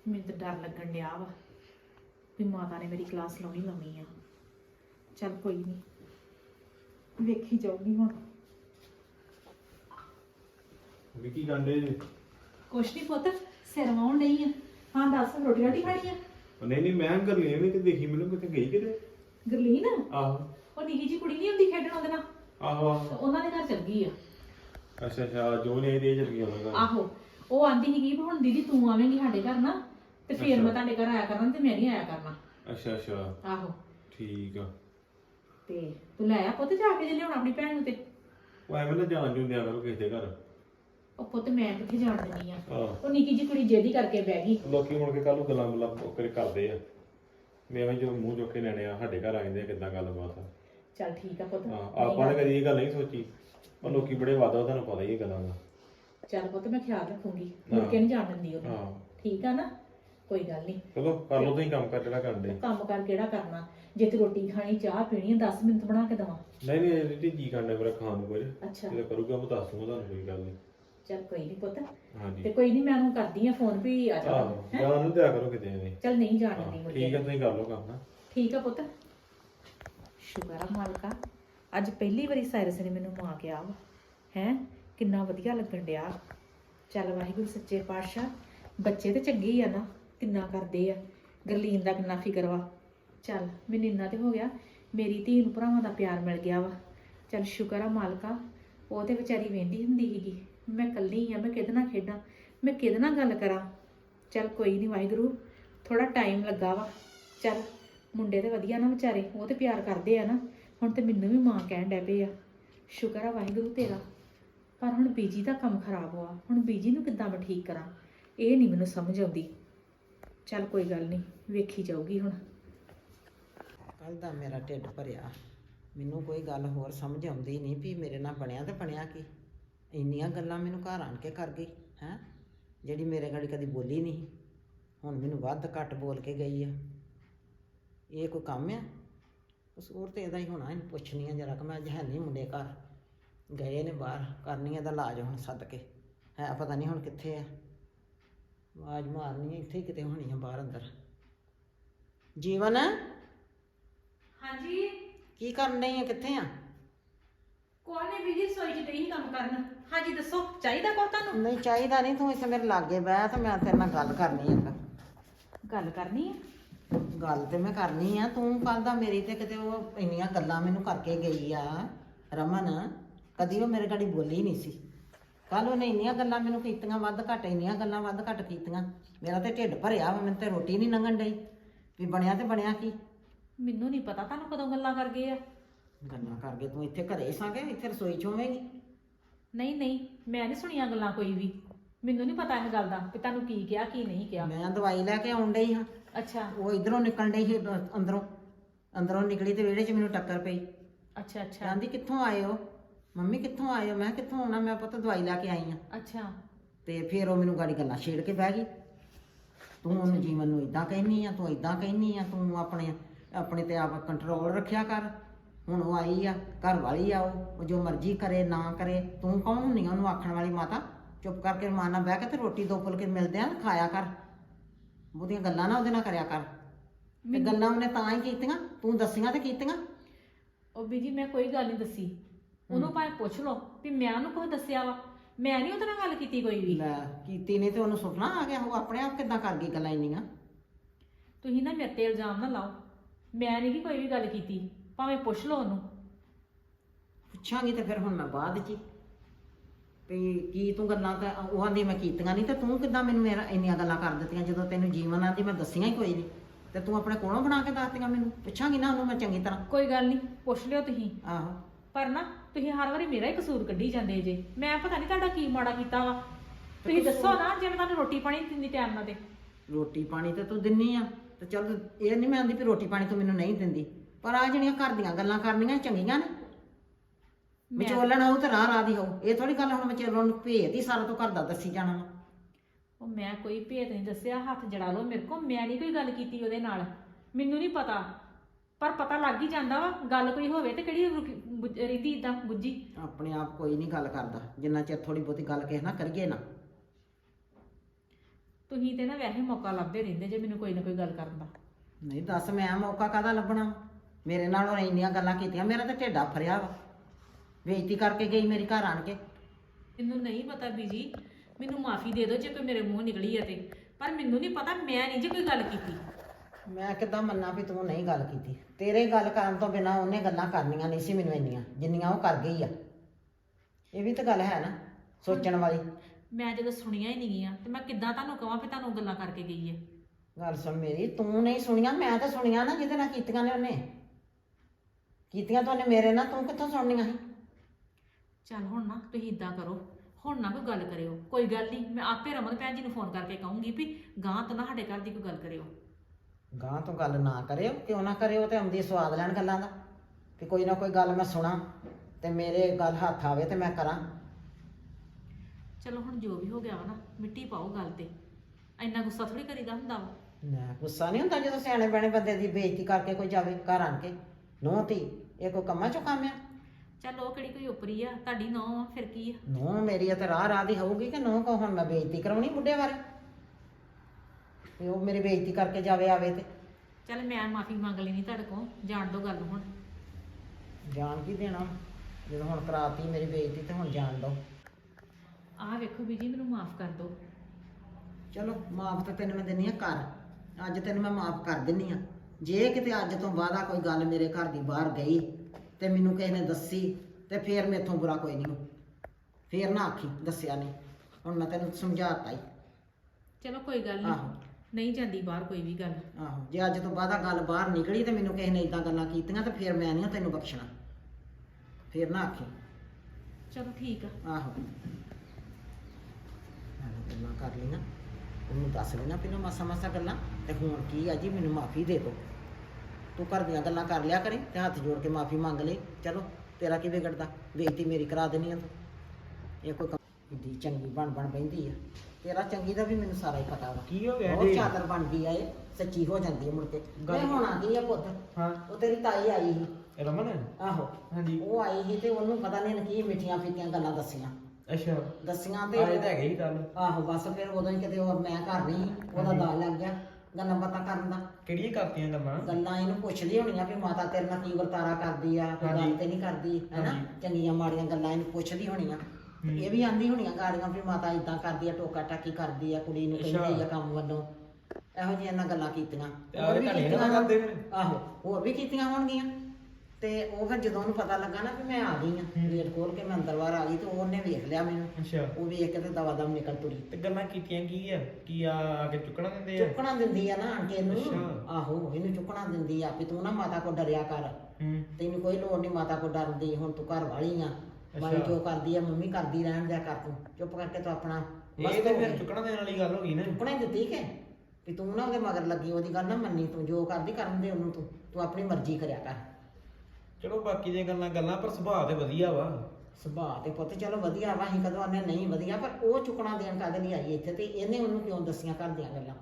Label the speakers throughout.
Speaker 1: ਮੈਨੂੰ ਤਾਂ ਡਰ ਲੱਗਣ ਡਿਆ ਵਾ ਵੀ ਮਾਤਾ ਨੇ ਮੇਰੀ ਕਲਾਸ ਲਾਉਣੀ ਆ। ਚੱਲ ਕੋਈ ਨਹੀਂ, ਵੇਖੀ ਜਾਊਗੀ ਹੁਣ।
Speaker 2: ਵਿੱਕੀ ਗੰਡੇ
Speaker 1: ਕੁਛ ਨਹੀਂ ਪੁੱਤ, ਸਿਰ ਵਾਉਣ ਨਹੀਂ ਆ। ਹਾਂ ਦੱਸ, ਰੋਟੀ ਰਾਟੀ ਖਾਣੀ ਆ?
Speaker 2: ਨਹੀਂ ਮੈਂ ਗਰਲੀਨ ਨੇ ਤੇ ਦੇਖੀ ਮੈਨੂੰ ਕਿਤੇ ਗਈ ਕਿਤੇ।
Speaker 1: ਗਰਲੀਨ
Speaker 2: ਆਹੋ
Speaker 1: ਉਹ ਨਿੱਕੀ ਜੀ ਕੁੜੀ ਨਹੀਂ ਹੁੰਦੀ ਖੇਡਣ ਉਹਦੇ ਨਾਲ,
Speaker 2: ਆਹੋ
Speaker 1: ਤੇ ਉਹਨਾਂ ਦੇ ਘਰ ਚੱਲ ਗਈ ਆ।
Speaker 2: ਅੱਛਾ ਜੋ ਨੇ ਇਹ ਚੱਲ ਗਿਆ ਉਹਨਾਂ ਦਾ।
Speaker 1: ਆਹੋ ਉਹ ਆਂਦੀ ਸੀਗੀ ਵੀ ਹੁਣ ਦੀਦੀ ਤੂੰ ਆਵੇਂਗੀ ਸਾਡੇ ਘਰ ਨਾ, ਤੇ ਫੇਰ ਮੈਂ ਤੁਹਾਡੇ ਘਰ ਆਇਆ ਕਰਨਾ ਤੇ ਮੈਂ ਨਹੀਂ ਆਇਆ ਕਰਨਾ।
Speaker 2: ਅੱਛਾ
Speaker 1: ਆਹੋ
Speaker 2: ਠੀਕ ਆ।
Speaker 1: ਤੇ ਤੂੰ ਲੈ ਆ ਪੁੱਤ ਜਾ ਕੇ ਜੇ ਲਿਆਉਣਾ ਆਪਣੀ ਭੈਣ ਨੂੰ। ਤੇ
Speaker 2: ਉਹ ਐਵੇਂ ਨਾ ਜਾਣ ਜੂ ਦਿਆ ਕਰੋ ਕਿਸੇ ਦੇ ਘਰ।
Speaker 1: ਉਹ ਪੁੱਤ ਮੈਂ ਕਿੱਥੇ ਜਾਣ ਦਿੰਦੀ ਆ।
Speaker 2: ਆਹ
Speaker 1: ਉਹ ਨਿੱਕੀ ਜੀ ਕੁੜੀ ਜਿਹਦੀ ਕਰਕੇ ਬਹਿ ਗਈ।
Speaker 2: ਲੋਕੀ ਮੁੜ ਕੇ ਕੱਲ ਨੂੰ ਗੱਲਾਂ ਮੱਲਾ ਕਰਦੇ ਆ ਵੀ ਐਵੇਂ ਜੋ ਮੂੰਹ ਚੁੱਕ ਕੇ ਲੈਣੇ ਆ ਸਾਡੇ ਘਰ ਆ ਜਾਂਦੇ ਆ, ਕਿੱਦਾਂ ਗੱਲਬਾਤ ਆ।
Speaker 1: ਚੱਲ ਠੀਕ ਆ ਪੁੱਤ।
Speaker 2: ਹਾਂ ਆਪਾਂ ਨੇ ਕਦੀ ਇਹ ਗੱਲ ਨਹੀਂ ਸੋਚੀ, ਪਰ ਲੋਕੀ ਬੜੇ ਵਾਦਾ ਤੁਹਾਨੂੰ ਪਤਾ ਹੀ ਇਹ ਗੱਲਾਂ ਦਾ।
Speaker 1: ਚੱਲ ਪੁੱਤ ਮੈਂ ਖਿਆਲ ਰੱਖੂੰਗੀ, ਮੁੜ ਕੇ ਨਹੀਂ ਜਾਣ ਦਿੰਦੀ ਉਹਨੂੰ।
Speaker 2: ਹਾਂ
Speaker 1: ਠੀਕ ਆ ਨਾ, ਕੋਈ ਗੱਲ ਨਹੀਂ।
Speaker 2: ਚਲੋ ਕਰ ਲਓ ਤੁਸੀਂ ਕੰਮ ਕਰ ਜਿਹੜਾ ਕਰਦੇ।
Speaker 1: ਕੰਮ ਕਰ ਕਿਹੜਾ ਕਰਨਾ, ਜੇ ਤੂੰ ਰੋਟੀ ਖਾਣੀ ਚਾਹ ਪੀਣੀ ਆ 10 ਮਿੰਟ ਬਣਾ ਕੇ ਦੇਵਾਂ।
Speaker 2: ਨਹੀਂ ਇਹ ਜੀ ਕਰਨਾ ਮੇਰਾ ਖਾਣ ਨੂੰ ਕੁਝ
Speaker 1: ਅੱਛਾ
Speaker 2: ਜੇ ਕਰੂਗਾ ਮੈਂ ਦੱਸ ਦੂੰਗਾ ਤੁਹਾਨੂੰ, ਕੋਈ ਗੱਲ ਨਹੀਂ।
Speaker 1: ਚੱਲ ਕੋਈ ਨਹੀਂ ਪੁੱਤ,
Speaker 2: ਹਾਂਜੀ
Speaker 1: ਤੇ ਕੋਈ ਨਹੀਂ ਮੈਂ ਉਹਨੂੰ ਕਰਦੀ ਆ ਫੋਨ ਵੀ ਆ ਜਾ।
Speaker 2: ਆਹੋ ਜਾਣ ਨੂੰ ਦਿਆ ਕਰੋ ਕਿਤੇ ਐਵੇਂ।
Speaker 1: ਚੱਲ ਨਹੀਂ ਜਾਣ ਦਿੰਦੀ ਮੁੜ
Speaker 2: ਠੀਕ
Speaker 1: ਕੇ।
Speaker 2: ਆ ਤੁਸੀਂ ਕਰ ਲਓ ਕੰਮ ਨਾ।
Speaker 1: ਠੀਕ ਆ ਪੁੱਤ। ਸ਼ੁਕਰ ਆ ਮਾਲਕਾ, ਅੱਜ ਪਹਿਲੀ ਵਾਰੀ ਸਾਇਰਸ ਨੇ ਮੈਨੂੰ ਮਾਂ ਕਿਹਾ ਵਾ। ਹੈ ਕਿੰਨਾ ਵਧੀਆ ਲੱਗਣ ਡਿਆ। ਚੱਲ ਵਾਹਿਗੁਰੂ ਸੱਚੇ ਪਾਤਸ਼ਾਹ, ਬੱਚੇ ਤੇ ਚੰਗੇ ਹੀ ਆ ਨਾ, ਕਿੰਨਾ ਕਰਦੇ ਆ। ਗਰਲੀਨ ਦਾ ਕਿੰਨਾ ਫਿਕਰ ਵਾ। ਚੱਲ ਮੈਨੂੰ ਇੰਨਾ ਤੇ ਹੋ ਗਿਆ, ਮੇਰੀ ਧੀ ਨੂੰ ਭਰਾਵਾਂ ਦਾ ਪਿਆਰ ਮਿਲ ਗਿਆ ਵਾ। ਚੱਲ ਸ਼ੁਕਰ ਆ ਮਾਲਕਾ। ਉਹ ਤੇ ਵਿਚਾਰੀ ਵੇਂਦੀ ਹੁੰਦੀ ਸੀਗੀ ਮੈਂ ਇਕੱਲੀ ਆ, ਮੈਂ ਕਿਹਦੇ ਨਾਲ ਖੇਡਾਂ, ਮੈਂ ਕਿਹਦੇ ਨਾਲ ਗੱਲ ਕਰਾਂ। ਚੱਲ ਕੋਈ ਨਹੀਂ ਵਾਹਿਗੁਰੂ, ਥੋੜਾ ਟਾਈਮ ਲੱਗਾ ਵਾ। ਚੱਲ ਮੁੰਡੇ ਤੇ ਵਧੀਆ ਨਾ ਵਿਚਾਰੇ, ਉਹ ਤੇ ਪਿਆਰ ਕਰਦੇ ਆ ਨਾ। ਹੁਣ ਤੇ ਮੈਨੂੰ ਵੀ ਮਾਂ ਕਹਿਣ ਡੈ ਪਏ ਆ। ਸ਼ੁਕਰ ਆ ਵਾਹਿਗੁਰੂ ਤੇਰਾ। ਪਰ ਹੁਣ ਬੀਜੀ ਦਾ ਕੰਮ ਖਰਾਬ ਹੋਆ, ਹੁਣ ਬੀਜੀ ਨੂੰ ਕਿੱਦਾਂ ਮੈਂ ਠੀਕ ਕਰਾਂ, ਇਹ ਨਹੀਂ ਮੈਨੂੰ ਸਮਝ ਆਉਂਦੀ। ਚੱਲ ਕੋਈ ਗੱਲ ਨਹੀਂ, ਵੇਖੀ ਜਾਊਗੀ ਹੁਣ।
Speaker 3: ਕੱਲ ਦਾ ਮੇਰਾ ਢਿੱਡ ਭਰਿਆ, ਮੈਨੂੰ ਕੋਈ ਗੱਲ ਹੋਰ ਸਮਝ ਆਉਂਦੀ ਨਹੀਂ ਵੀ ਮੇਰੇ ਨਾਲ ਬਣਿਆ ਤੇ ਬਣਿਆ ਕੀ। ਇੰਨੀਆਂ ਗੱਲਾਂ ਮੈਨੂੰ ਘਰ ਆਣ ਕੇ ਕਰ ਗਈ ਹੈ, ਜਿਹੜੀ ਮੇਰੇ ਗਾੜੀ ਕਦੀ ਬੋਲੀ ਨਹੀਂ, ਹੁਣ ਮੈਨੂੰ ਵੱਧ ਘੱਟ ਬੋਲ ਕੇ ਗਈ ਆ। ਇਹ ਕੋਈ ਕੰਮ ਆ? ਕਸੂਰ ਤੇ ਇਹਦਾ ਹੀ ਹੋਣਾ। ਇਹਨੂੰ ਪੁੱਛਣੀ ਆ ਜਰਾ ਕਿ ਮੈਂ ਅੱਜ ਹੈ ਨਹੀਂ ਮੁੰਡੇ ਘਰ, ਗਏ ਨੇ ਬਾਹਰ, ਕਰਨੀ ਇਹਦਾ ਇਲਾਜ ਹੁਣ ਸੱਦ ਕੇ। ਹੈ ਪਤਾ ਨਹੀਂ ਹੁਣ ਕਿੱਥੇ ਆ, ਆਵਾਜ਼ ਮਾਰਨੀ ਆ, ਇੱਥੇ ਹੀ ਕਿਤੇ ਹੋਣੀ ਆ ਬਾਹਰ ਅੰਦਰ। ਜੀਵਨ
Speaker 1: ਹਾਂਜੀ
Speaker 3: ਕੀ ਕਰਨ ਡਈ ਆ, ਕਿੱਥੇ ਆ?
Speaker 1: ਕੋਣ ਨੇ ਬੀਜੀ ਸੋਈ ਚ ਡਈ ਕੰਮ ਕਰਨ। ਹਾਂਜੀ ਦੱਸੋ, ਚਾਹੀਦਾ ਕੋ ਤੁਹਾਨੂੰ?
Speaker 3: ਨਹੀਂ ਚਾਹੀਦਾ ਨਹੀਂ, ਤੂੰ ਇੱਥੇ ਮੇਰੇ ਲਾਗੇ ਬਹਿ ਤੇ ਮੈਂ ਤੇਰੇ ਨਾਲ ਗੱਲ ਕਰਨੀ ਆ।
Speaker 1: ਗੱਲ ਕਰਨੀ ਆ?
Speaker 3: ਗੱਲ ਤੇ ਮੈਂ ਕਰਨੀ ਆ, ਤੂੰ ਕੱਲ ਦਾ ਮੇਰੀ ਤੇ ਕਿਤੇ ਉਹ ਇੰਨੀਆਂ ਗੱਲਾਂ ਮੈਨੂੰ ਕਰਕੇ ਗਈ ਆ ਰਮਨ, ਕਦੀ ਉਹ ਮੇਰੇ ਗਾੜੀ ਬੋਲੀ ਨਹੀਂ ਸੀ। ਕੱਲ ਉਹਨੇ ਇੰਨੀਆਂ ਗੱਲਾਂ ਮੈਨੂੰ ਕੀਤੀਆਂ ਵੱਧ ਘੱਟ, ਇੰਨੀਆਂ ਗੱਲਾਂ ਵੱਧ ਘੱਟ ਕੀਤੀਆਂ। ਮੇਰਾ ਤੇ ਢਿੱਡ ਭਰਿਆ ਵਾ, ਮੈਨੂੰ ਤੇ ਰੋਟੀ ਨਹੀਂ ਲੰਘਣ ਡਈ ਵੀ ਬਣਿਆ ਤੇ ਬਣਿਆ ਕੀ।
Speaker 1: ਮੈਨੂੰ ਨਹੀਂ ਪਤਾ ਤੁਹਾਨੂੰ ਕਦੋਂ ਗੱਲਾਂ ਕਰ ਗਏ ਆ।
Speaker 3: ਗੱਲਾਂ ਕਰਕੇ ਤੂੰ ਇੱਥੇ ਘਰੇ ਸਾਂਗੇ, ਇੱਥੇ ਰਸੋਈ ਚ ਹੋਵੇਂਗੀ?
Speaker 1: ਨਹੀਂ ਨਹੀਂ, ਮੈਂ ਨਹੀਂ ਸੁਣੀਆਂ ਗੱਲਾਂ ਕੋਈ ਵੀ। ਮੈਨੂੰ ਨਹੀਂ ਪਤਾ ਇਹ ਗੱਲ ਦਾ ਕਿ ਤੁਹਾਨੂੰ ਕੀ ਕਿਹਾ ਕੀ ਨਹੀਂ ਕਿਹਾ।
Speaker 3: ਮੈਂ ਦਵਾਈ ਲੈ ਕੇ ਆਉਣ ਡਈ ਹਾਂ।
Speaker 1: ਅੱਛਾ
Speaker 3: ਉਹ ਇਧਰੋਂ ਨਿਕਲਣ ਡਈ ਸੀ, ਅੰਦਰੋਂ ਨਿਕਲੀ ਤੇ ਵਿਹੜੇ 'ਚ ਮੈਨੂੰ ਟੱਕਰ ਪਈ।
Speaker 1: ਅੱਛਾ ਅੱਛਾ
Speaker 3: ਕਹਿੰਦੀ ਕਿੱਥੋਂ ਆਏ ਹੋ ਮੰਮੀ, ਕਿੱਥੋਂ ਆਏ ਹੋ? ਮੈਂ ਕਿੱਥੋਂ ਆਉਣਾ, ਮੈਂ ਪੁੱਤ ਦਵਾਈ ਲੈ ਕੇ ਆਈ ਆ।
Speaker 1: ਅੱਛਾ
Speaker 3: ਤੇ ਫਿਰ ਉਹ ਮੈਨੂੰ ਗਾੜੀ ਗੱਲਾਂ ਛੇੜ ਕੇ ਬਹਿ ਗਈ। ਤੂੰ ਉਹਨੂੰ ਜੀਵਨ ਨੂੰ ਇਦਾਂ ਕਹਿੰਦੀ ਆ, ਤੂੰ ਇਦਾਂ ਕਹਿੰਦੀ ਆ, ਤੂੰ ਆਪਣੇ ਤੇ ਆਪ ਕੰਟਰੋਲ ਰੱਖਿਆ ਕਰ। ਹੁਣ ਉਹ ਆਈ ਆ, ਘਰ ਵਾਲੀ ਆ, ਉਹ ਜੋ ਮਰਜ਼ੀ ਕਰੇ ਨਾ ਕਰੇ, ਤੂੰ ਕੌਣ ਹੁੰਨੀ ਆ ਉਹਨੂੰ ਆਖਣ ਵਾਲੀ? ਮਾਤਾ ਚੁੱਪ ਕਰਕੇ ਮਾਂ ਨਾਲ ਬਹਿ ਕੇ ਤੇ ਰੋਟੀ ਦੋ ਫੁਲਕੇ ਮਿਲਦੇ ਆ ਖਾਇਆ ਕਰ, ਉਹਦੀਆਂ ਗੱਲਾਂ ਨਾ ਉਹਦੇ ਨਾਲ ਕਰਿਆ ਕਰ। ਤੇ ਗੱਲਾਂ ਉਹਨੇ ਤਾਂ ਹੀ ਕੀਤੀਆਂ, ਤੂੰ ਦੱਸੀਆਂ ਤੇ ਕੀਤੀਆਂ।
Speaker 1: ਉਹ ਬੀਜੀ ਮੈਂ ਕੋਈ ਗੱਲ ਨਹੀਂ ਦੱਸੀ ਉਹਨੂੰ, ਭਾਵੇਂ ਪੁੱਛ ਲਓ ਵੀ ਮੈਂ ਉਹਨੂੰ ਕੁਝ ਦੱਸਿਆ ਵਾ। ਮੈਂ ਨਹੀਂ ਉਹਦੇ ਨਾਲ ਗੱਲ ਕੀਤੀ ਕੋਈ ਵੀ।
Speaker 3: ਲੈ ਕੀਤੀ ਨਹੀਂ ਤੇ ਉਹਨੂੰ ਸੁਪਨਾ ਆ ਗਿਆ, ਉਹ ਆਪਣੇ ਆਪ ਕਿੱਦਾਂ ਕਰ ਗਈ ਗੱਲਾਂ ਇੰਨੀਆਂ?
Speaker 1: ਤੁਸੀਂ ਨਾ ਮੇਰੇ ਤੇ ਇਲਜ਼ਾਮ ਨਾ ਲਾਓ, ਮੈਂ ਨਹੀਂ ਕੋਈ ਵੀ ਗੱਲ ਕੀਤੀ, ਭਾਵੇਂ ਪੁੱਛ ਲਓ ਉਹਨੂੰ।
Speaker 3: ਪੁੱਛਾਂਗੀ ਤੇ ਫਿਰ ਹੁਣ ਮੈਂ ਬਾਅਦ 'ਚ ਵੀ ਕੀ ਤੂੰ ਗੱਲਾਂ ਤਾਂ ਉਹ ਆਂਦੀ ਮੈਂ ਕੀਤੀਆਂ ਨਹੀਂ, ਤੇ ਤੂੰ ਕਿੱਦਾਂ ਮੈਨੂੰ ਮੇਰਾ ਇੰਨੀਆਂ ਗੱਲਾਂ ਕਰ ਦਿੱਤੀਆਂ ਜਦੋਂ ਤੈਨੂੰ ਜੀਵਨ ਆਂਦੀ ਮੈਂ ਦੱਸੀਆਂ ਹੀ ਕੋਈ ਨਹੀਂ, ਤੇ ਤੂੰ ਆਪਣੇ ਕੋਲੋਂ ਬਣਾ ਕੇ ਦੱਸਤੀਆਂ ਮੈਨੂੰ? ਪੁੱਛਾਂਗੀ ਨਾ ਉਹਨੂੰ ਮੈਂ ਚੰਗੀ ਤਰ੍ਹਾਂ।
Speaker 1: ਕੋਈ ਗੱਲ ਨਹੀਂ, ਪੁੱਛ ਲਿਓ ਤੁਸੀਂ।
Speaker 3: ਆਹੋ
Speaker 1: ਪਰ ਨਾ ਤੁਸੀਂ ਹਰ ਵਾਰੀ ਮੇਰਾ ਹੀ ਕਸੂਰ ਕੱਢੀ ਜਾਂਦੇ ਜੇ। ਮੈਂ ਪਤਾ ਨਹੀਂ ਤੁਹਾਡਾ ਕੀ ਮਾੜਾ ਕੀਤਾ ਵਾ। ਤੁਸੀਂ ਦੱਸੋ ਨਾ, ਜੇ ਮੈਂ ਤੁਹਾਨੂੰ ਰੋਟੀ ਪਾਣੀ ਦਿੰਦੀ ਟਾਈਮ ਨਾਲ ਤੇ।
Speaker 3: ਰੋਟੀ ਪਾਣੀ ਤੇ ਤੂੰ ਦਿੰਨੀ ਆ, ਤੇ ਚੱਲ ਇਹ ਨਹੀਂ ਮੈਂ ਆਂਦੀ ਵੀ ਰੋਟੀ ਪਾਣੀ ਤੂੰ ਮੈਨੂੰ ਨਹੀਂ ਦਿੰਦੀ, ਪਰ ਆ ਜਿਹੜੀਆਂ ਘਰ ਦੀਆਂ ਗੱਲਾਂ ਕਰਨੀਆਂ ਚੰਗੀਆਂ ਨੇ? ਵਿਚੋਲਣ ਆਊ ਤੇ ਰਾਹ ਦੀ ਹੋਊ, ਇਹ ਥੋੜੀ ਗੱਲ ਹੁਣ ਵਿਚੋਲਣ ਨੂੰ ਭੇਤ ਹੀ ਸਾਰਾ ਤੋਂ ਘਰ ਦਾ ਦੱਸੀ ਜਾਣਾ ਵਾ।
Speaker 1: ਉਹ ਮੈਂ ਕੋਈ ਭੇਤ ਨਹੀਂ ਦੱਸਿਆ, ਹੱਥ ਜੜਾ ਲਓ ਮੇਰੇ ਕੋਲ। ਮੈਂ ਨਹੀਂ ਕੋਈ ਗੱਲ ਕੀਤੀ ਉਹਦੇ ਨਾਲ, ਮੈਨੂੰ ਨਹੀਂ ਪਤਾ, ਪਰ ਪਤਾ ਲੱਗ ਹੀ ਜਾਂਦਾ ਵਾ। ਗੱਲ ਕੋਈ ਹੋਵੇ ਤੇ ਕਿਹੜੀ ਰਹਿੰਦੀ ਇਦਾਂ ਗੁੱਜੀ।
Speaker 3: ਆਪਣੇ ਆਪ ਕੋਈ ਨਹੀਂ ਗੱਲ ਕਰਦਾ ਜਿੰਨਾ ਚਿਰ ਥੋੜੀ ਬਹੁਤੀ ਗੱਲ ਕਿਸੇ ਨਾਲ ਕਰੀਏ ਨਾ।
Speaker 1: ਤੁਸੀਂ ਤੇ ਨਾ ਵੈਸੇ ਮੌਕਾ ਲੱਭਦੇ ਰਹਿੰਦੇ ਜੇ ਮੈਨੂੰ ਕੋਈ ਨਾ ਕੋਈ ਗੱਲ ਕਰਨ ਦਾ।
Speaker 3: ਨਹੀਂ ਦੱਸ ਮੈਂ ਮੌਕਾ ਕਾਹਦਾ ਲੱਭਣਾ? ਮੇਰੇ ਨਾਲ ਉਹਨੇ ਇੰਨੀਆਂ ਗੱਲਾਂ ਕੀਤੀਆਂ, ਮੇਰਾ ਤਾਂ ਢਿੱਡ ਆਫਰਿਆ ਵਾ। ਬੇਇੱਜ਼ਤੀ ਕਰਕੇ ਗਈ ਮੇਰੀ ਘਰ ਆਣ ਕੇ।
Speaker 1: ਮੈਨੂੰ ਨਹੀਂ ਪਤਾ ਬੀਜੀ, ਮੈਨੂੰ ਮਾਫੀ ਦੇ ਦਿਓ ਜੇ ਕੋਈ ਮੇਰੇ ਮੂੰਹ ਨਿਕਲੀ ਹੈ ਤੇ, ਪਰ ਮੈਨੂੰ ਨਹੀਂ ਪਤਾ, ਮੈਂ ਨਹੀਂ ਜੇ ਕੋਈ ਗੱਲ ਕੀਤੀ।
Speaker 3: ਮੈਂ ਕਿੱਦਾਂ ਮੰਨਾਂ ਵੀ ਤੂੰ ਨਹੀਂ ਗੱਲ ਕੀਤੀ? ਤੇਰੇ ਗੱਲ ਕਰਨ ਤੋਂ ਬਿਨਾਂ ਉਹਨੇ ਗੱਲਾਂ ਕਰਨੀਆਂ ਨਹੀਂ ਸੀ ਮੈਨੂੰ ਇੰਨੀਆਂ ਜਿੰਨੀਆਂ ਉਹ ਕਰ ਗਈ ਆ। ਇਹ ਵੀ ਤਾਂ ਗੱਲ ਹੈ ਨਾ ਸੋਚਣ ਵਾਲੀ।
Speaker 1: ਮੈਂ ਜਦੋਂ ਸੁਣੀਆਂ ਹੀ ਨਹੀਂ ਗੀਆਂ ਤੇ ਮੈਂ ਕਿੱਦਾਂ ਤੁਹਾਨੂੰ ਕਹਾਂ ਵੀ ਤੁਹਾਨੂੰ ਗੱਲਾਂ ਕਰਕੇ ਗਈ ਹੈ।
Speaker 3: ਗੱਲ ਸੁਣ ਮੇਰੀ, ਤੂੰ ਨਹੀਂ ਸੁਣੀਆਂ, ਮੈਂ ਤਾਂ ਸੁਣੀਆਂ ਨਾ ਜਿਹਦੇ ਨਾਲ ਕੀਤੀਆਂ ਨੇ ਉਹਨੇ। ਕੀਤੀਆਂ ਤਾਂ ਉਹਨੇ ਮੇਰੇ ਨਾਲ, ਤੂੰ ਕਿੱਥੋਂ ਸੁਣਨੀਆਂ ਸੀ?
Speaker 1: ਚੱਲ ਹੁਣ ਨਾ ਤੁਸੀਂ ਇਦਾਂ ਕਰੋ, ਹੁਣ ਨਾ ਕੋਈ ਗੱਲ ਕਰਿਓ। ਕੋਈ ਗੱਲ ਨਹੀਂ, ਮੈਂ ਆਪੇ ਰਮਨ ਭੈਣ ਜੀ ਨੂੰ ਫੋਨ ਕਰਕੇ ਕਹੂੰਗੀ ਵੀ ਗਾਂ ਤੋਂ ਨਾ ਸਾਡੇ ਘਰ ਦੀ ਕੋਈ ਗੱਲ ਕਰਿਓ।
Speaker 3: ਗਾਂ ਤੋਂ ਗੱਲ ਨਾ ਕਰਿਓ, ਕਿਉਂ ਨਾ ਕਰਿਓ? ਤੇ ਆਉਂਦੀ ਸਵਾਦ ਲੈਣ ਗੱਲਾਂ ਦਾ ਕਿ ਕੋਈ ਨਾ ਕੋਈ ਗੱਲ ਮੈਂ ਸੁਣਾ ਤੇ ਮੇਰੇ ਗੱਲ ਹੱਥ ਆਵੇ ਤੇ ਮੈਂ ਕਰਾਂ।
Speaker 1: ਚਲੋ ਹੁਣ ਜੋ ਵੀ ਹੋ ਗਿਆ ਵਾ ਨਾ, ਮਿੱਟੀ ਪਾਓ ਗੱਲ ਤੇ। ਇੰਨਾ ਗੁੱਸਾ ਥੋੜੀ ਕਰੀਦਾ ਹੁੰਦਾ ਵਾ।
Speaker 3: ਨਾ ਗੁੱਸਾ ਨਹੀਂ ਹੁੰਦਾ ਜਦੋਂ ਸਿਆਣੇ ਬਣੇ ਬੰਦੇ ਦੀ ਬੇਇੱਜ਼ਤੀ ਕਰਕੇ ਕੋਈ ਜਾਵੇ ਘਰ ਆਣ ਕੇ। ਨੂੰਹ ਧੀ ਇਹ ਕੋਈ ਕੰਮਾਂ ਚੋਂ ਕੰਮ ਆ?
Speaker 1: ਚੱਲ ਉਹ ਕਿਹੜੀ ਕੋਈ ਉਪਰੀ ਆ, ਤੁਹਾਡੀ ਨੌਂ ਆ, ਫਿਰ ਕੀ ਆ।
Speaker 3: ਨੂੰਹ ਮੇਰੀ ਆ ਤੇ ਰਾਹ ਰਾਹ ਦੀ ਹੋਊਗੀ ਕਿ ਨੂੰਹ ਕੋ ਹੁਣ ਮੈਂ ਬੇਇੱਜ਼ਤੀ ਕਰਾਉਣੀ ਬੁੱਢੇ ਬਾਰੇ? ਤੇ ਉਹ ਮੇਰੀ ਬੇਇੱਜ਼ਤੀ ਕਰਕੇ ਜਾਵੇ ਆਵੇ ਤੇ।
Speaker 1: ਚੱਲ ਮੈਂ ਮਾਫੀ ਮੰਗ ਲੈਣੀ ਤੁਹਾਡੇ ਕੋਲ, ਜਾਣ ਦੋ ਗੱਲ ਹੁਣ।
Speaker 3: ਜਾਣ ਕੀ ਦੇਣਾ ਜਦੋਂ ਹੁਣ ਕਰਾਤੀ ਮੇਰੀ ਬੇਇੱਜ਼ਤੀ, ਤੇ ਹੁਣ ਜਾਣ ਦੋ।
Speaker 1: ਆਹ ਵੇਖੋ ਬੀਜੀ, ਮੈਨੂੰ ਮਾਫ ਕਰ ਦਿਓ।
Speaker 3: ਚਲੋ ਮਾਫ ਤਾਂ ਤੈਨੂੰ ਮੈਂ ਦਿੰਨੀ ਆ ਕਰ। ਅੱਜ ਤੈਨੂੰ ਮੈਂ ਮਾਫ ਕਰ ਦਿੰਨੀ ਆ। ਜੇ ਕਿਤੇ ਅੱਜ ਤੋਂ ਬਾਅਦ ਕੋਈ ਗੱਲ ਮੇਰੇ ਘਰ ਦੀ ਬਾਹਰ ਗਈ ਤੇ ਮੈਨੂੰ ਕਿਸੇ ਨੇ ਦੱਸੀ ਤੇ ਫੇਰ ਮੇਥੋਂ ਬੁਰਾ ਕੋਈ ਨਹੀਂ ਹੋ। ਫੇਰ ਨਾ ਆਖੀ ਦੱਸਿਆ ਨਹੀਂ। ਹੁਣ ਮੈਂ ਤੈਨੂੰ ਸਮਝਾਤਾ ਹੀ।
Speaker 1: ਚਲੋ ਕੋਈ ਗੱਲ
Speaker 3: ਆਹੋ।
Speaker 1: ਨਹੀਂ, ਨਹੀਂ ਜਾਂਦੀ ਬਾਹਰ ਕੋਈ ਵੀ ਗੱਲ।
Speaker 3: ਆਹੋ, ਜੇ ਅੱਜ ਤੋਂ ਬਾਅਦ ਆ ਗੱਲ ਬਾਹਰ ਨਿਕਲੀ ਤੇ ਮੈਨੂੰ ਕਿਸੇ ਨੇ ਇਦਾਂ ਗੱਲਾਂ ਕੀਤੀਆਂ ਤੇ ਫੇਰ ਮੈਂ ਨਹੀਂ ਤੈਨੂੰ ਬਖਸ਼ਣਾ। ਫੇਰ ਨਾ ਆਖੀ।
Speaker 1: ਚਲੋ ਠੀਕ ਆ।
Speaker 3: ਆਹੋ, ਮੈਂ ਗੱਲਾਂ ਕਰ ਲਈਆਂ, ਉਹਨੂੰ ਦੱਸ ਲੈਣਾ ਪਹਿਲਾਂ ਮਾਸਾ ਮਾਸਾ ਗੱਲਾਂ। ਤੇ ਹੁਣ ਕੀ ਆ ਜੀ, ਮੈਨੂੰ ਮਾਫੀ ਦੇ ਦਿਓ। ਤੂੰ ਘਰ ਦੀਆਂ ਗੱਲਾਂ ਕਰ ਲਿਆ ਕਰੇ ਤੇ ਹੱਥ ਜੋੜ ਕੇ ਮਾਫੀ ਮੰਗ ਲਈ। ਚਲੋ ਤੇਰਾ ਕੀ ਵਿਗੜਦਾ? ਬੇਇੱਜ਼ਤੀ ਮੇਰੀ ਕਰਾ ਦੇਣੀ ਆ ਤੂੰ। ਇਹ ਕੋਈ ਕਿੱਡੀ ਚੰਗੀ ਬਣ ਬੈਂਦੀ ਆ। ਤੇਰਾ ਚੰਗੀ ਦਾ ਵੀ ਮੈਨੂੰ ਸਾਰਾ ਹੀ ਪਤਾ ਵਾ।
Speaker 2: ਕੀ ਹੋ ਗਿਆ
Speaker 3: ਬਹੁਤ
Speaker 2: ਜੀ?
Speaker 3: ਚਾਦਰ ਬਣਦੀ ਆ ਇਹ, ਸੱਚੀ ਹੋ ਜਾਂਦੀ ਆ ਮੁੜ ਕੇ।
Speaker 2: ਗੱਲ
Speaker 3: ਮੈਂ ਹੋਣਾ ਕੀ ਆ ਪੁੱਤ?
Speaker 2: ਹਾਂ
Speaker 3: ਉਹ ਤੇਰੀ ਤਾਈ ਆਈ ਸੀ।
Speaker 2: ਰਮਨ।
Speaker 3: ਆਹੋ,
Speaker 2: ਹਾਂਜੀ।
Speaker 3: ਉਹ ਆਈ ਸੀ ਤੇ ਉਹਨੂੰ ਪਤਾ ਨਹੀਂ ਕੀ ਮਿੱਠੀਆਂ ਫੀਕੀਆਂ ਗੱਲਾਂ ਦੱਸੀਆਂ
Speaker 2: ਅੱਛਾ।
Speaker 3: ਦੱਸੀਆਂ ਤੇ
Speaker 2: ਆਏ ਤਾਂ ਹੈਗੇ ਹੀ ਗੱਲ।
Speaker 3: ਆਹੋ ਬਸ ਫਿਰ ਉਦੋਂ ਹੀ ਕਿਤੇ ਉਹ ਮੈਂ ਘਰ ਨਹੀਂ, ਉਹਦਾ ਦਾ ਲੱਗ ਗਿਆ ਗੱਲਾਂ ਬਾਤਾਂ ਕਰਨ ਦਾ।
Speaker 2: ਕਿਹੜੀਆਂ ਕਰਤੀਆਂ ਗੱਲਾਂ?
Speaker 3: ਗੱਲਾਂ ਇਹਨੂੰ ਪੁੱਛਦੀ ਹੋਣੀਆਂ ਵੀ ਮਾਤਾ ਤੇਰੇ ਨਾਲ ਕੀ ਵਰਤਾਰਾ ਕਰਦੀ ਆ, ਕੋਈ ਗੱਲ ਤੇ ਨਹੀਂ ਕਰਦੀ ਹੈਨਾ। ਚੰਗੀਆਂ ਮਾੜੀਆਂ ਗੱਲਾਂ ਇਹਨੂੰ ਪੁੱਛਦੀ ਹੋਣੀਆਂ। ਤੇ ਇਹ ਵੀ ਆਂਦੀ ਹੋਣੀਆਂ ਗਾੜੀਆਂ ਵੀ ਮਾਤਾ ਇਦਾਂ ਕਰਦੀ ਆ, ਟੋਕਾ ਟਾਕੀ ਕਰਦੀ ਆ, ਕੁੜੀ ਨੂੰ ਕਹਿੰਦੀ ਆ ਕੰਮ ਵੱਲੋਂ। ਇਹੋ ਜਿਹੀਆਂ ਇਹਨਾਂ ਗੱਲਾਂ ਕੀਤੀਆਂ। ਹੋਰ ਵੀ ਕੀਤੀਆਂ।
Speaker 2: ਕਰਦੇ ਫਿਰ?
Speaker 3: ਆਹੋ, ਹੋਰ ਵੀ ਕੀਤੀਆਂ ਹੋਣਗੀਆਂ। ਤੇ ਉਹ ਫਿਰ ਜਦੋਂ ਉਹਨੂੰ ਪਤਾ ਲੱਗਾ ਨਾ ਵੀ ਮੈਂ ਆ ਗਈ ਆ, ਗੇਟ ਖੋਲ ਕੇ ਮੈਂ ਅੰਦਰ ਬਾਹਰ ਆ ਗਈ, ਤੇ ਉਹਨੇ ਵੇਖ ਲਿਆ ਮੈਨੂੰ।
Speaker 2: ਅੱਛਾ।
Speaker 3: ਉਹ ਵੇਖ ਕੇ ਤੇ ਦਵਾ ਦਮ ਨਿਕਲ ਤੁਰੀ।
Speaker 2: ਤੇ ਗੱਲਾਂ ਕੀਤੀਆਂ ਕੀ ਆ? ਕੀ ਆ ਕੇ ਚੁੱਕਣਾ ਦਿੰਦੇ ਆ?
Speaker 3: ਚੁੱਕਣਾ ਦਿੰਦੀ ਆ ਨਾ ਆਂਟੀ ਨੂੰ।
Speaker 2: ਅੱਛਾ।
Speaker 3: ਆਹੋ, ਇਹਨੂੰ ਚੁੱਕਣਾ ਦਿੰਦੀ ਆ ਵੀ ਤੂੰ ਨਾ ਮਾਤਾ ਕੋ ਡਰਿਆ ਕਰ। ਤੈਨੂੰ ਕੋਈ ਲੋੜ ਨਹੀਂ ਮਾਤਾ ਕੋ ਡਰਨ ਦੀ, ਹੁਣ ਤੂੰ ਘਰ ਵਾਲੀ ਆ। ਮਾਈ ਜੋ ਕਰਦੀ ਆ ਮੰਮੀ ਕਰਦੀ ਰਹਿਣ ਦਿਆ ਕਰ, ਤੂੰ ਚੁੱਪ ਕਰਕੇ ਤੂੰ ਆਪਣਾ
Speaker 2: ਇਹ ਤੇ ਫਿਰ ਚੁੱਕਣਾ ਦੇਣ ਵਾਲੀ ਗੱਲ ਹੋ ਗਈ ਨਾ।
Speaker 3: ਚੁੱਕਣਾ ਹੀ ਦਿੱਤੀ ਕਿ ਵੀ ਤੂੰ ਨਾ ਉਹਦੇ ਮਗਰ ਲੱਗੀ, ਉਹਦੀ ਗੱਲ ਨਾ ਮੰਨੀ। ਤੂੰ ਜੋ ਕਰਦੀ ਕਰਨ ਦੇ ਉਹਨੂੰ, ਤੂੰ ਆਪਣੀ ਮਰਜ਼ੀ ਕਰਿਆ ਕਰ।
Speaker 2: ਚਲੋ ਬਾਕੀ ਦੀਆਂ ਗੱਲਾਂ ਪਰ ਸੁਭਾਅ ਤੇ ਵਧੀਆ ਵਾ।
Speaker 3: ਸੁਭਾਅ ਤੇ ਪੁੱਤ ਚਲੋ ਵਧੀਆ ਵਾ, ਅਸੀਂ ਕਦੋਂ ਆਨੇ ਨਹੀਂ ਵਧੀਆ, ਪਰ ਉਹ ਚੁੱਕਣਾ ਦੇਣ ਕਾਹਦੇ ਲਈ ਆਈ ਇੱਥੇ? ਤੇ ਇਹਨੇ ਉਹਨੂੰ ਕਿਉਂ ਦੱਸੀਆਂ ਘਰ ਦੀਆਂ ਗੱਲਾਂ?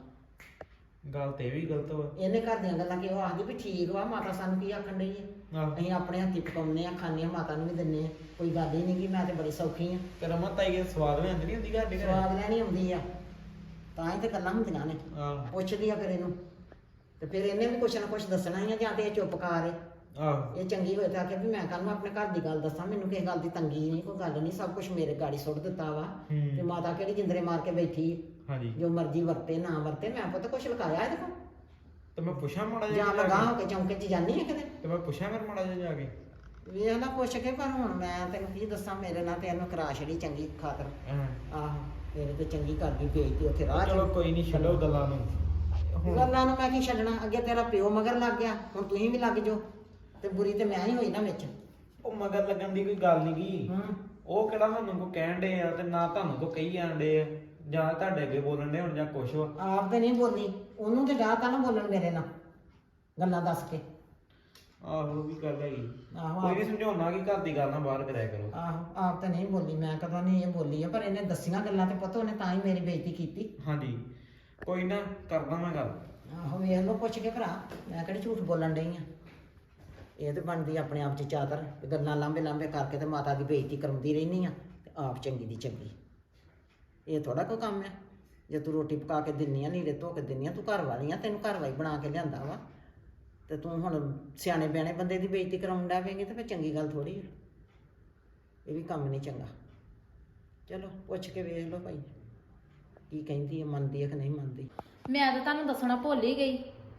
Speaker 2: ਗੱਲ ਤੇ ਇਹ ਵੀ ਗਲਤ ਵਾ।
Speaker 3: ਇਹਨੇ ਘਰ ਦੀਆਂ ਗੱਲਾਂ ਕਿ ਉਹ ਆਖਦੀ ਵੀ ਠੀਕ ਵਾ, ਮਾਤਾ ਸਾਨੂੰ ਕੀ ਆਖਣ ਡਈ ਹੈ?
Speaker 2: ਆਹ
Speaker 3: ਅਸੀਂ ਆਪਣੇ ਹੱਥੀਂ ਪਕਾਉਂਦੇ ਆ, ਖਾਂਦੇ ਆ, ਮਾਤਾ ਨੂੰ ਵੀ ਦਿੰਦੇ ਆ। ਕੋਈ ਗੱਲ ਹੀ ਨਹੀਂ ਕਿ ਮੈਂ ਤੇ ਬੜੀ ਸੌਖੀ ਆ।
Speaker 2: ਤੇ ਰਮਨ ਤਾਈ ਦੇ ਸਵਾਦ ਲੈਂਦੀ ਨਹੀਂ ਹੁੰਦੀ ਸਾਡੇ ਘਰੇ?
Speaker 3: ਸਵਾਦ ਲੈਣੀ ਆਉਂਦੀ ਆ, ਤਾਂ ਹੀ ਤੇ ਗੱਲਾਂ ਹੁੰਦੀਆਂ ਨੇ।
Speaker 2: ਆਹ
Speaker 3: ਪੁੱਛਦੀ ਆ ਫਿਰ ਇਹਨੂੰ, ਤੇ ਫਿਰ ਇਹਨੇ ਵੀ ਕੁਛ ਨਾ ਕੁਛ ਦੱਸਣਾ ਹੀ ਆ, ਜਾਂ ਤੇ ਇਹ ਚੁੱਪ ਕਰ ਏ।
Speaker 2: ਆਹ
Speaker 3: ਇਹ ਚੰਗੀ ਹੋਏ ਤਾਂ ਆਖੇ ਵੀ ਮੈਂ ਕੱਲ ਨੂੰ ਆਪਣੇ ਘਰ ਦੀ ਗੱਲ ਦੱਸਾਂ, ਮੈਨੂੰ ਕਿਸੇ ਗੱਲ ਦੀ ਤੰਗੀ ਨਹੀਂ, ਕੋਈ ਗੱਲ ਨਹੀਂ, ਸਭ ਕੁਝ ਮੇਰੇ ਗਾੜੀ ਸੁੱਟ ਦਿੱਤਾ ਵਾ। ਤੇ ਮਾਤਾ ਕਿਹੜੀ ਜਿੰਦਰੇ ਮਾਰ ਕੇ ਬੈਠੀ,
Speaker 2: ਹਾਂਜੀ।
Speaker 3: ਜੋ ਮਰਜ਼ੀ ਵਰਤੇ ਨਾ ਵਰਤੇ, ਮੈਂ ਪੁੱਤ ਕੁਛ ਲੁਕਾਇਆ ਇਹਦੇ ਕੋਲ?
Speaker 2: ਤੇ ਮੈਂ ਪੁੱਛਾਂ ਮਾੜਾ
Speaker 3: ਜਾਂ
Speaker 2: ਜਿਹਾ
Speaker 3: ਲਗਾ ਹੋ ਕੇ ਚੌਂਕੇ 'ਚ ਜਾਨੀ ਆ ਕਿਤੇ?
Speaker 2: ਤੇ ਮੈਂ ਪੁੱਛਾਂ ਫਿਰ ਮਾੜਾ ਜਿਹਾ ਜਾ ਕੇ।
Speaker 3: ਵੇਖ ਨਾ ਪੁੱਛ ਕੇ, ਪਰ ਹੁਣ ਮੈਂ ਤੈਨੂੰ ਕੀ ਦੱਸਾਂ, ਮੇਰੇ ਨਾਲ ਤੇ ਇਹਨੂੰ ਕਰਾ ਛੜੀ ਚੰਗੀ ਖਾਤਰ। ਆਹੋ, ਮੇਰੇ ਤੇ ਚੰਗੀ ਕਰਦੀ ਬੇਇੱਜ਼ਤੀ ਉੱਥੇ ਰਾਹ 'ਚ।
Speaker 2: ਚਲੋ ਕੋਈ ਨਹੀਂ, ਛੱਡੋ ਗੱਲਾਂ ਨੂੰ।
Speaker 3: ਗੱਲਾਂ ਨੂੰ ਮੈਂ ਕੀ ਛੱਡਣਾ? ਅੱਗੇ ਤੇਰਾ ਪਿਓ ਮਗਰ ਲੱਗ ਗਿਆ, ਹੁਣ ਤੁਸੀਂ ਵੀ ਲੱਗ ਜਾਓ, ਤੇ ਬੁਰੀ ਤੇ ਮੈਂ ਹੀ ਹੋਈ ਨਾ ਵਿੱਚ।
Speaker 2: ਉਹ ਮਗਰ ਲੱਗਣ ਦੀ ਕੋਈ ਗੱਲ ਨਹੀਂ ਗੀ।
Speaker 3: ਹੂੰ,
Speaker 2: ਉਹ ਕਿਹੜਾ ਸਾਨੂੰ ਕੋ ਕਹਿਣ ਦੇ ਆ, ਤੇ ਨਾ ਤੁਹਾਨੂੰ ਕੋ ਕਹੀ ਜਾਂਦੇ ਆ, ਜਾਂ ਤੁਹਾਡੇ ਅੱਗੇ ਬੋਲਣ ਦੇ ਹੁਣ ਜਾਂ ਕੁਛ ਵਾ।
Speaker 3: ਆਪ ਤੇ ਨਹੀਂ ਬੋਲੀ, ਉਹਨੂੰ ਤੇ ਡਾਹ ਤਾ ਨਾ ਬੋਲਣ ਮੇਰੇ ਨਾਲ ਗੱਲਾਂ ਦੱਸ ਕੇ।
Speaker 2: ਆਹੋ ਉਹ ਵੀ ਗੱਲ ਹੈਗੀ।
Speaker 3: ਆਹੋ
Speaker 2: ਕੋਈ ਨਹੀਂ, ਸਮਝਾਉਣਾ ਕਿ ਘਰ ਦੀ ਗੱਲ ਨਾ ਬਾਹਰ ਕਰਿਆ ਕਰੋ।
Speaker 3: ਆਹੋ, ਆਪ ਤਾਂ ਨਹੀਂ ਬੋਲੀ, ਮੈਂ ਕਦੋਂ ਨਹੀਂ ਇਹ ਬੋਲੀ ਆ, ਪਰ ਇਹਨੇ ਦੱਸੀਆਂ ਗੱਲਾਂ ਤੇ ਪਤਾ ਉਹਨੇ ਤਾਂ ਹੀ ਮੇਰੀ ਬੇਇੱਜ਼ਤੀ ਕੀਤੀ।
Speaker 2: ਹਾਂਜੀ, ਕੋਈ ਨਾ, ਕਰਦਾ ਮੈਂ ਗੱਲ।
Speaker 3: ਆਹੋ, ਵੇਖ ਲਓ ਪੁੱਛ ਕੇ ਭਰਾ, ਮੈਂ ਕਿਹੜੀ ਝੂਠ ਬੋਲਣ ਡਈ ਆ। ਇਹ ਤੇ ਬਣਦੀ ਆਪਣੇ ਆਪ 'ਚ ਚਾਦਰ, ਗੱਲਾਂ ਲਾਂਬੇ ਲਾਂਬੇ ਕਰਕੇ ਤੇ ਮਾਤਾ ਦੀ ਬੇਇੱਜ਼ਤੀ ਕਰਾਉਂਦੀ ਰਹਿੰਦੀ ਆ, ਤੇ ਆਪ ਚੰਗੀ ਦੀ ਚੰਗੀ। ਇਹ ਥੋੜਾ ਕੋਈ ਕੰਮ ਆ ਜੇ ਤੂੰ ਰੋਟੀ ਪਕਾ ਕੇ ਦਿੰਨੀ ਆ, ਨੀਰੇ ਧੋ ਕੇ ਦਿੰਨੀ ਆ, ਤੂੰ ਘਰ ਵਾਲੀ ਆ, ਤੈਨੂੰ ਘਰ ਵਾਲੀ ਬਣਾ ਕੇ ਲਿਆਂਦਾ ਵਾ, ਤੇ ਤੂੰ ਹੁਣ ਸਿਆਣੇ ਬਿਆਣੇ ਬੰਦੇ ਦੀ ਬੇਇੱਜ਼ਤੀ ਕਰਾਉਣ ਡੈ ਪਏਂਗੀ ਤੇ ਫਿਰ ਚੰਗੀ ਗੱਲ ਥੋੜੀ ਆ। ਇਹ ਵੀ ਕੰਮ ਨਹੀਂ ਚੰਗਾ। ਚਲੋ ਪੁੱਛ ਕੇ ਵੇਖ ਲਓ ਭਾਈ ਕੀ ਕਹਿੰਦੀ ਹੈ, ਮੰਨਦੀ ਹੈ ਕਿ ਨਹੀਂ ਮੰਨਦੀ।
Speaker 1: ਮੈਂ ਤਾਂ ਤੁਹਾਨੂੰ ਦੱਸਣਾ ਭੁੱਲ ਹੀ ਗਈ।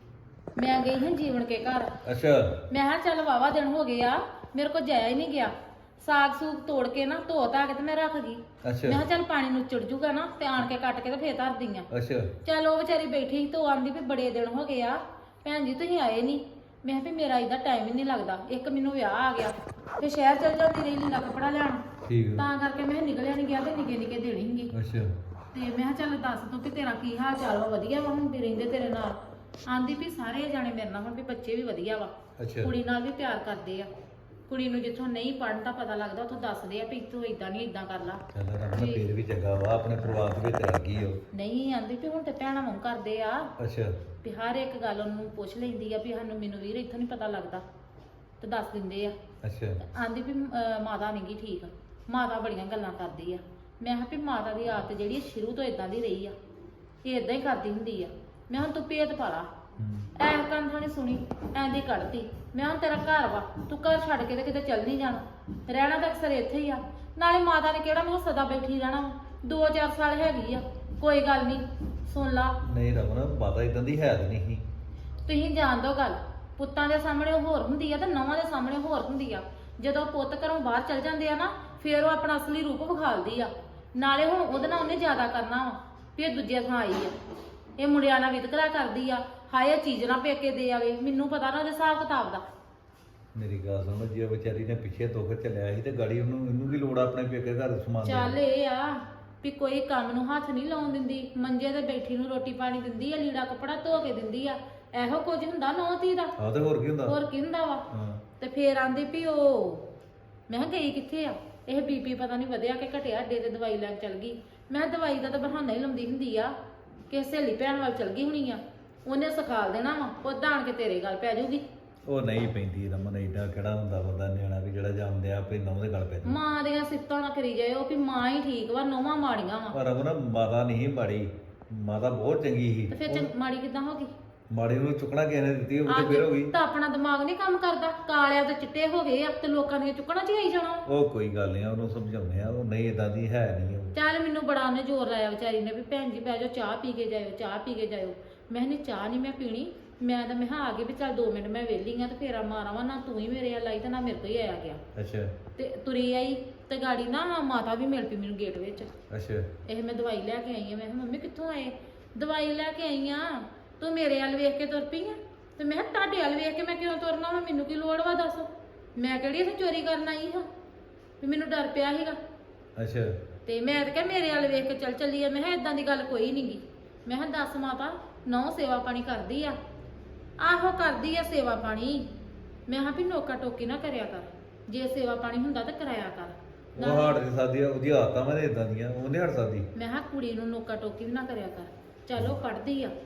Speaker 1: ਮੈਂ ਗਈ ਹਾਂ ਜੀਵਨ ਕੇ ਘਰ।
Speaker 2: ਅੱਛਾ।
Speaker 1: ਮੈਂ ਕਿਹਾ ਚੱਲ ਵਾਵਾ ਦਿਨ ਹੋ ਗਏ ਆ, ਮੇਰੇ ਕੋਲ ਜਾਇਆ ਹੀ ਨਹੀਂ ਗਿਆ। ਸਾਗ ਸੂਗ ਤੋੜ ਕੇ ਨਾ ਧੋ ਧਾ ਕੇ ਤੇ ਮੈਂ ਰੱਖ ਗਈ। ਮੈਂ ਕਿਹਾ ਚੱਲ ਪਾਣੀ ਨੂੰ ਚੜ ਜੂਗਾ ਨਾ ਤੇ ਆਣ ਕੇ ਕੱਟ ਕੇ ਤੇ ਫੇਰ ਧਰ ਦੀਆਂ।
Speaker 2: ਅੱਛਾ।
Speaker 1: ਚੱਲ ਉਹ ਵਿਚਾਰੀ ਬੈਠੀ ਸੀ ਤੇ ਆਂਦੀ ਵੀ ਬੜੇ ਦਿਨ ਹੋ ਗਏ ਆ ਭੈਣ ਜੀ ਤੁਸੀਂ ਆਏ ਨਹੀਂ। ਮੈਂ ਕਿਹਾ ਵੀ ਮੇਰਾ ਇਹਦਾ ਟਾਈਮ ਹੀ ਨਹੀਂ ਲੱਗਦਾ, ਇੱਕ ਮੈਨੂੰ ਵਿਆਹ ਆ ਗਿਆ ਤੇ ਸ਼ਹਿਰ ਚਲ ਜਾਂਦੀ ਰਹੀ ਲੀੜਾ ਕੱਪੜਾ ਲੈਣ,
Speaker 2: ਠੀਕ
Speaker 1: ਤਾਂ ਕਰਕੇ ਮੈਂ ਕਿਹਾ ਨਿਕਲਿਆ ਨਹੀਂ ਗਿਆ ਤੇ ਨਿੱਕੇ ਨਿੱਕੇ ਦੇਣੀ ਸੀਗੀ।
Speaker 2: ਅੱਛਾ।
Speaker 1: ਤੇ ਮੈਂ ਕਿਹਾ ਚੱਲ ਦੱਸ ਤੂੰ ਕਿ ਤੇਰਾ ਕੀ ਹਾਲ ਚਾਲ ਵਾ, ਵਧੀਆ ਵਾ ਹੁਣ ਵੀ ਰਹਿੰਦੇ ਤੇਰੇ ਨਾਲ। ਆਂਦੀ ਵੀ ਸਾਰੇ ਜਾਣੇ ਮੇਰੇ ਨਾਲ ਹੁਣ ਵੀ ਬੱਚੇ ਵੀ ਵਧੀਆ ਵਾ,
Speaker 2: ਅੱਛਾ।
Speaker 1: ਕੁੜੀ ਨਾਲ ਵੀ ਪਿਆਰ ਕਰਦੇ ਆ। ਕੁੜੀ ਨੂੰ ਜਿੱਥੋਂ ਨਹੀਂ ਪੜਨ ਦਾ ਪਤਾ ਲੱਗਦਾ ਉੱਥੋਂ ਦੱਸਦੇ ਆ ਵੀ ਤੂੰ ਇਦਾਂ ਨਹੀਂ ਇਦਾਂ ਕਰ ਲਾ।
Speaker 2: ਚੱਲ ਰਮਨ ਫੇਰ ਵੀ ਚੰਗਾ ਵਾ, ਆਪਣੇ ਪਰਿਵਾਰ ਦੇ ਵਿੱਚ ਰਹਿ ਗਈ ਉਹ।
Speaker 1: ਨਹੀਂ ਆਂਦੀ ਵੀ ਹੁਣ ਤੇ ਭੈਣਾਂ ਵਾਂਗ ਕਰਦੇ ਆ,
Speaker 2: ਅੱਛਾ।
Speaker 1: ਵੀ ਹਰ ਇੱਕ ਗੱਲ ਉਹਨੂੰ ਪੁੱਛ ਲੈਂਦੀ ਆ ਵੀ ਸਾਨੂੰ ਮੈਨੂੰ ਵੀਰ ਇੱਥੋਂ ਨਹੀਂ ਪਤਾ ਲੱਗਦਾ ਤੇ ਦੱਸ ਦਿੰਦੇ ਆ।
Speaker 2: ਅੱਛਾ।
Speaker 1: ਆਂਦੀ ਵੀ ਮਾਤਾ ਨੀ ਗੀ ਠੀਕ, ਮਾਤਾ ਬੜੀਆਂ ਗੱਲਾਂ ਕਰਦੀ ਆ। ਮੈਂ ਕਿਹਾ ਵੀ ਮਾਤਾ ਦੀ ਆਦਤ ਜਿਹੜੀ ਸ਼ੁਰੂ ਤੋਂ ਇਦਾਂ ਦੀ ਰਹੀ ਆ, ਇਹ ਇਦਾਂ ਹੀ ਕਰਦੀ ਹੁੰਦੀ ਆ। ਮੈਂ ਹੁਣ ਤੂੰ ਭੇਤ ਪਾ ਲਾ। ਐ ਕੰਥਾਂ ਨੇ ਸੁਣੀ ਐਂਦੀ ਕੱਢਤੀ। ਮੈਂ ਹੁਣ ਤੇਰਾ ਘਰ ਵਾ, ਤੂੰ ਘਰ ਛੱਡ ਕੇ ਤੇ ਕਿਤੇ ਚੱਲ ਨਹੀਂ ਜਾਣਾ, ਰਹਿਣਾ ਤਾਂ ਅਕਸਰ ਇੱਥੇ ਹੀ ਆ। ਨਾਲੇ ਮਾਤਾ ਨੇ ਕਿਹੜਾ ਮੈਂ ਸਦਾ ਬੈਠੀ ਰਹਿਣਾ, 2-4 ਸਾਲ ਹੈਗੀ ਆ, ਕੋਈ ਗੱਲ ਨਹੀਂ ਸੁਣ ਲਾ।
Speaker 2: ਨਹੀਂ ਰਮਨ ਮਾਤਾ ਇਦਾਂ ਦੀ ਹੈ ਤਾਂ ਨਹੀਂ।
Speaker 1: ਤੁਸੀਂ ਜਾਣ ਦੋ ਗੱਲ, ਪੁੱਤਾਂ ਦੇ ਸਾਹਮਣੇ ਉਹ ਹੋਰ ਹੁੰਦੀ ਆ ਤੇ ਨੌਵਾਂ ਦੇ ਸਾਹਮਣੇ ਹੋਰ ਹੁੰਦੀ ਆ। ਜਦੋਂ ਪੁੱਤ ਘਰੋਂ ਬਾਹਰ ਚਲ ਜਾਂਦੇ ਆ ਨਾ, ਫੇਰ ਉਹ ਆਪਣਾ ਅਸਲੀ ਰੂਪ ਵਿਖਾਲਦੀ ਆ। ਨਾਲੇ ਹੁਣ ਉਹਦੇ ਨਾਲ ਉਹਨੇ ਜ਼ਿਆਦਾ ਕਰਨਾ ਵਾ ਵੀ ਇਹ ਦੂਜੇ ਥਾਂ ਆਈ ਆ, ਇਹ ਮੁੰਡਿਆਂ ਨਾਲ ਵਿਤਕਰਾ ਕਰਦੀ ਆ। ਹਾਏ ਇਹ ਚੀਜ਼ ਨਾ ਪੇਕੇ ਦੇ ਆਵੇ, ਮੈਨੂੰ ਪਤਾ ਨਾ ਉਹਦੇ ਹਿਸਾਬ ਕਿਤਾਬ ਦਾ।
Speaker 2: ਮੇਰੀ ਗੱਲ ਸੁਣ, ਜੇ ਵਿਚਾਰੀ ਨੇ ਪਿੱਛੇ ਦੁੱਖ ਚੱਲਿਆ ਸੀ ਤੇ ਗਾੜੀ ਇਹਨੂੰ ਕੀ ਲੋੜ ਆਪਣੇ ਪੇਕੇ ਘਰ ਸਮਾਨ
Speaker 1: ਚੱਲ ਇਹ ਆ ਵੀ ਕੋਈ ਕੰਮ ਨੂੰ ਹੱਥ ਨਹੀਂ ਲਾਉਣ ਦਿੰਦੀ, ਮੰਜੇ ਤੇ ਬੈਠੀ ਨੂੰ ਰੋਟੀ ਪਾਣੀ ਦਿੰਦੀ ਆ, ਲੀੜਾ ਕੱਪੜਾ ਧੋ ਕੇ ਦਿੰਦੀ ਆ। ਇਹੋ ਕੁਝ ਹੁੰਦਾ ਨੌ ਧੀ ਦਾ।
Speaker 2: ਆਹ ਤੇ ਹੋਰ ਕੀ ਹੁੰਦਾ।
Speaker 1: ਹੋਰ ਕੀ ਹੁੰਦਾ ਵਾ। ਤੇ ਫੇਰ ਆਂਦੀ ਵੀ ਉਹ, ਮੈਂ ਕਿਹਾ ਗਈ ਕਿੱਥੇ ਆ, ਇਹ ਬੀਪੀ ਪਤਾ ਨਹੀਂ ਵਧਿਆ ਕਿ ਘਟਿਆ, ਅੱਡੇ ਤੇ ਦਵਾਈ ਲੈਣ ਚਲ ਗਈ। ਮੈਂ ਕਿਹਾ ਦਵਾਈ ਦਾ ਤਾਂ ਬਹਾਨਾ ਹੀ ਲਾਉਂਦੀ ਹੁੰਦੀ ਆ ਕਿ ਸਹੇਲੀ ਭੈਣ ਵੱਲ ਚਲ ਗਈ ਹੋਣੀ ਆ, ਉਹਨੇ ਸਿਖਾਲ ਦੇਣਾ ਵਾ, ਉਹ ਆਣ ਕੇ ਤੇਰੇ ਗੱਲ ਪੈ ਜਾਊਗੀ।
Speaker 2: ਉਹ ਨਹੀਂ ਪੈਂਦੀ ਰਮਨ, ਏਡਾ ਕਿਹੜਾ ਹੁੰਦਾ ਬੰਦਾ ਨਿਆਣਾ ਵੀ ਜਿਹੜਾ ਜਾਂਦੇ ਆ ਆਪੇ ਨੌਂ ਦੇ ਗੱਲ ਪੈ ਜਾਂਦਾ।
Speaker 1: ਮਾਂ ਦੀਆਂ ਸਿਫਤਾਂ ਨਾ ਕਰੀ ਜਾਇਓ ਵੀ ਮਾਂ ਹੀ ਠੀਕ ਵਾ, ਨੌਵਾਂ ਮਾੜੀਆਂ ਵਾ।
Speaker 2: ਪਰ ਰਮਨ ਮਾਤਾ ਨਹੀਂ ਮਾੜੀ, ਮਾਤਾ ਬਹੁਤ ਚੰਗੀ ਸੀ।
Speaker 1: ਤੇ ਫਿਰ ਮਾੜੀ ਕਿੱਦਾਂ ਹੋ ਗਈ?
Speaker 2: ਮਾੜੀ ਨੂੰ ਚੁੱਕਣਾ ਕਿਸੇ ਨੇ ਦਿੱਤੀ, ਉਹ ਤੇ ਫਿਰ ਹੋ ਗਈ।
Speaker 1: ਤਾਂ ਆਪਣਾ ਦਿਮਾਗ ਨਹੀਂ ਕੰਮ ਕਰਦਾ, ਕਾਲਿਆਂ ਤੇ ਚਿੱਟੇ ਹੋ ਗਏ ਆ ਤੇ ਲੋਕਾਂ ਦੀਆਂ ਚੁੱਕਣਾ ਚ ਆਈ ਜਾਣਾ।
Speaker 2: ਉਹ ਕੋਈ ਗੱਲ ਨਹੀਂ, ਉਹਨੂੰ ਸਮਝਾਉਂਦੇ ਆ, ਉਹ ਨਹੀਂ ਇਦਾਂ ਦੀ ਹੈ ਨਹੀਂ ਉਹ।
Speaker 1: ਚੱਲ ਮੈਨੂੰ ਬੜਾ ਉਹਨੇ ਜ਼ੋਰ ਲਾਇਆ ਵਿਚਾਰੀ ਨੇ ਵੀ ਭੈਣ ਜੀ ਬਹਿ ਜਾਓ, ਚਾਹ ਪੀ ਕੇ ਜਾਇਓ, ਚਾਹ ਪੀ ਕੇ ਜਾਇਓ। ਮੈਂ ਨਹੀਂ ਚਾਹ ਨਹੀਂ ਮੈਂ ਪੀਣੀ, ਮੈਂ ਤਾਂ ਮੈਂ ਆ ਗਈ ਵੀ ਚੱਲ 2 ਮਿੰਟ ਮੈਂ ਵਿਹਲੀ ਆ ਤੇ ਫੇਰਾ ਮਾਰਾਂਵਾ। ਨਾ ਤੂੰ ਹੀ ਮੇਰੇ ਵੱਲ ਆਈ ਤੇ ਨਾ ਮੇਰੇ ਤੋਂ ਹੀ ਆਇਆ ਗਿਆ।
Speaker 2: ਅੱਛਾ।
Speaker 1: ਤੇ ਤੁਰੀ ਆਈ ਤੇ ਗਾੜੀ ਨਾ ਮਾਤਾ ਵੀ ਮਿਲ ਪਈ ਮੈਨੂੰ ਗੇਟ ਵਿੱਚ।
Speaker 2: ਅੱਛਾ।
Speaker 1: ਇਹ ਮੈਂ ਦਵਾਈ ਲੈ ਕੇ ਆਈ ਆ। ਮੈਂ ਕਿਹਾ ਮੰਮੀ ਕਿੱਥੋਂ ਆਏ? ਦਵਾਈ ਲੈ ਕੇ ਆਈ ਆ, ਤੂੰ ਮੇਰੇ ਵੱਲ ਵੇਖ ਕੇ ਤੁਰ ਪਈ ਆ। ਤੇ ਮੈਂ ਕਿਹਾ ਤੁਹਾਡੇ ਵੱਲ ਵੇਖ ਕੇ ਮੈਂ ਕਿਉਂ ਤੁਰਨਾ ਵਾ, ਮੈਨੂੰ ਕੀ ਲੋੜ ਵਾ ਦੱਸ, ਮੈਂ ਕਿਹੜੀ ਇੱਥੇ ਚੋਰੀ ਕਰਨ ਆਈ ਹਾਂ ਵੀ ਮੈਨੂੰ ਡਰ ਪਿਆ ਸੀਗਾ।
Speaker 2: ਅੱਛਾ।
Speaker 1: ਤੇ ਮੈਂ ਤਾਂ ਕਿਹਾ ਮੇਰੇ ਵੱਲ ਵੇਖ ਕੇ ਚੱਲ ਚੱਲੀ ਆ। ਮੈਂ ਕਿਹਾ ਇਦਾਂ ਦੀ ਗੱਲ ਕੋਈ ਨਹੀਂ ਗੀ। ਮੈਂ ਕਿਹਾ ਦੱਸ ਮਾਤਾ, ਨੌ ਸੇਵਾ ਪਾਣੀ ਕਰਦੀ ਆ? ਆਹੋ ਕਰਦੀ ਆ ਸੇਵਾ ਪਾਣੀ। ਮੈਂ ਕਿਹਾ ਵੀ ਨੋਕਾ ਟੋਕੀ ਨਾ ਕਰਿਆ ਕਰ, ਜੇ ਸੇਵਾ ਪਾਣੀ ਹੁੰਦਾ ਤਾਂ ਕਰਾਇਆ ਕਰ।
Speaker 2: ਉਹ ਹਟ ਨਹੀਂ ਸਕਦੀ, ਉਹਦੀ ਆਦਤਾਂ ਮੈਂ ਇਦਾਂ ਦੀਆਂ, ਉਹ ਨਹੀਂ ਹਟ ਸਕਦੀ।
Speaker 1: ਮੈਂ ਕਿਹਾ ਕੁੜੀ ਨੂੰ ਨੋਕਾ ਟੋਕੀ ਵੀ ਨਾ ਕਰਿਆ ਕਰ। ਚਲੋ ਪੜ੍ਹਦੀ ਆ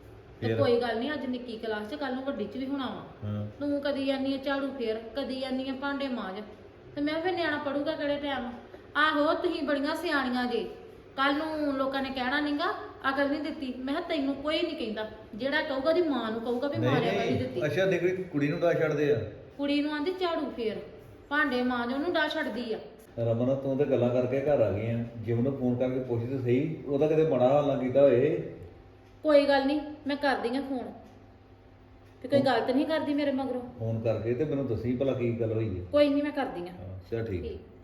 Speaker 1: ਤੇ ਕੋਈ ਗੱਲ ਨਹੀਂ, ਅੱਜ ਨਿੱਕੀ ਕਲਾਸ 'ਚ, ਕੱਲ ਨੂੰ ਵੱਡੀ 'ਚ ਵੀ ਹੋਣਾ ਵਾ। ਤੂੰ ਕਦੀ ਆਨੀ ਆ ਝਾੜੂ ਫੇਰ, ਕਦੀ ਆਨੀ ਆ ਭਾਂਡੇ ਮਾਂਜ, ਤੇ ਮੈਂ ਫਿਰ ਨਿਆਣਾ ਪੜੂਗਾ ਕਿਹੜੇ ਟਾਈਮ? ਆਹੋ ਤੁਸੀਂ ਬੜੀਆਂ ਸਿਆਣੀਆਂ ਜੇ, ਕੱਲ ਨੂੰ ਲੋਕਾਂ ਨੇ ਕਹਿਣਾ ਨਹੀਂਗਾ ਅਕਲ ਨਹੀਂ ਦਿੱਤੀ। ਮੈਂ ਕਿਹਾ ਤੈਨੂੰ ਕੋਈ ਨਹੀਂ ਕਹਿੰਦਾ, ਜਿਹੜਾ ਕਹੂਗਾ ਉਹਦੀ ਮਾਂ ਨੂੰ ਕਹੂਗਾ ਵੀ ਮਾਰਿਆ ਕਰੀ ਦਿੱਤੀ।
Speaker 2: ਅੱਛਾ, ਨਿਕਲੀ ਕੁੜੀ ਨੂੰ ਡਾ ਛੱਡਦੇ ਆ?
Speaker 1: ਕੁੜੀ ਨੂੰ ਆਂਦੀ ਝਾੜੂ ਫੇਰ, ਭਾਂਡੇ ਮਾਂਜ, ਉਹਨੂੰ ਡਾ ਛੱਡਦੀ ਆ।
Speaker 2: ਰਮਨ ਤੂੰ ਤੇ ਗੱਲਾਂ ਕਰਕੇ ਘਰ ਆ ਗਈ ਆ, ਜੇ ਉਹਨੂੰ ਫੋਨ ਕਰਕੇ ਪੁੱਛ ਤੇ ਸਹੀ, ਉਹਦਾ ਕਿਤੇ ਮਾੜਾ ਹਾਲ ਨਾ ਕੀਤਾ ਹੋਏ।
Speaker 1: ਕੋਈ ਗੱਲ ਨਹੀਂ, ਮੈਂ ਕਰਦੀ ਆ ਫੋਨ, ਤੇ ਕੋਈ ਗਲਤ ਨਹੀਂ ਕਰਦੀ ਮੇਰੇ ਮਗਰੋਂ।
Speaker 2: ਫੋਨ ਕਰਕੇ ਤੇ ਮੈਨੂੰ ਦੱਸੀ ਭਲਾ ਕੀ ਗੱਲ ਹੋਈ ਹੈ।
Speaker 1: ਕੋਈ ਨਹੀਂ ਮੈਂ ਕਰਦੀ ਆ।
Speaker 2: ਚਲ ਠੀਕ।